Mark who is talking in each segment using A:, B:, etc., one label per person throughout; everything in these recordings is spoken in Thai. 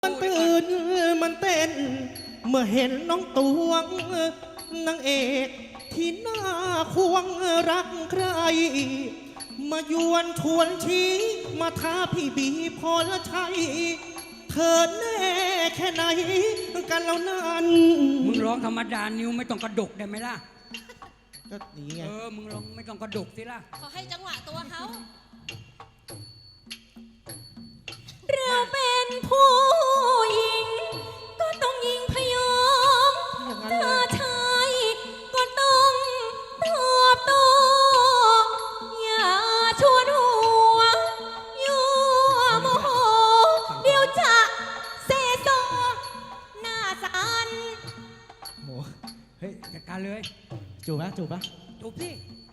A: มันตื่นมันเต้นเมื่อเห็นน้องตวงนางเอกที่น่าควงรักใครมายวนชวนชี้มาท้าพี่บีพอละชัยเธอแน่แค่ไหนกันแล้วนั้น
B: มึงร้องธรรมดานิ้วไม่ต้องกระดกได้ไหมล่ะ
A: ก็นี่ไง
B: มึงร้องไม่ต้องกระดกสิล่ะ
C: เขาให้จังหวะตัวเขา
D: เราเป็นผู้หญิงก็ต้องยิงพยองถ้าชายก็ต้องตอบโต้อย่าชวนหัวยั่วโมโหเดี๋ยวจะเซโซหน้าสัน
A: โอ้
B: เฮ้ยจัดการเลย
A: จูบปะจูบ
B: สิ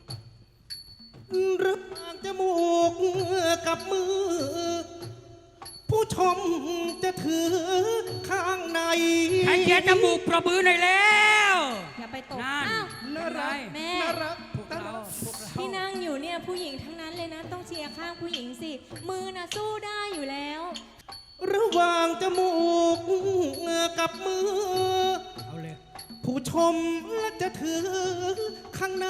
A: รึกจมูกกับมือผู้ชมจะถือข้างใน
B: ใครเขียนจมูกประบือหน่อยแล้ว
D: อย่าไปตก
B: น่ารัก
D: แม่
B: พวกเรา
D: ที่นั่งอยู่เนี่ยผู้หญิงทั้งนั้นเลยนะต้องเชียร์ข้างผู้หญิงสิมือน่ะสู้ได้อยู่แล้ว
A: ระหว่างจมูกกับมือ
B: เอาเลย
A: ผู้ชมจะถือข้างใน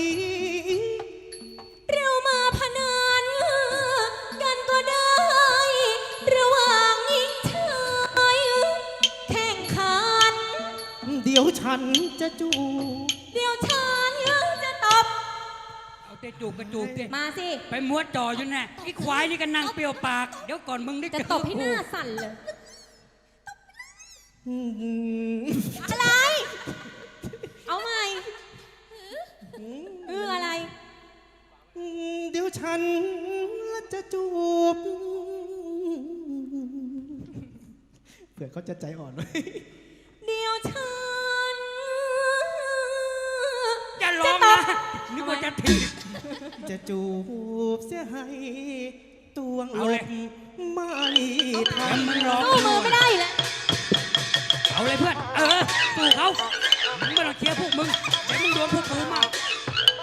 D: เรามาพนันกันก็ได้ระหว่างหญิงชายแข่งขัน
A: เดี๋ยวฉันจะจูบ
D: เดี๋ยวฉันจะตบ
B: เอาเตะจูบกระจูบสิ
D: มาสิ
B: ไปมัวจ่ออยู่แน่ไอ้ควายนี่ก็นั่งเปรี้ยวปากเดี๋ยวก่อนมึงได้
D: จะตบให้หน้าสั่นเลยอะไรเอาใหม่อะไร
A: เดี๋ยวฉันจะจูบเผื่อเขาจะใจอ่อนไว้
D: เดี๋ยวฉัน
B: จะร้องนะนึกว่าจะถีบ
A: จะจูบเสียให้ตวงหลบไม่ทัน
B: มึงร้อง
D: สู้มือไม่ได้แล้ว
B: เอาเลยเพื่อนสู้เขามึงไม่ต้องเชียร์พวกมึงเดี๋ยวมึงโดนพวกกูมา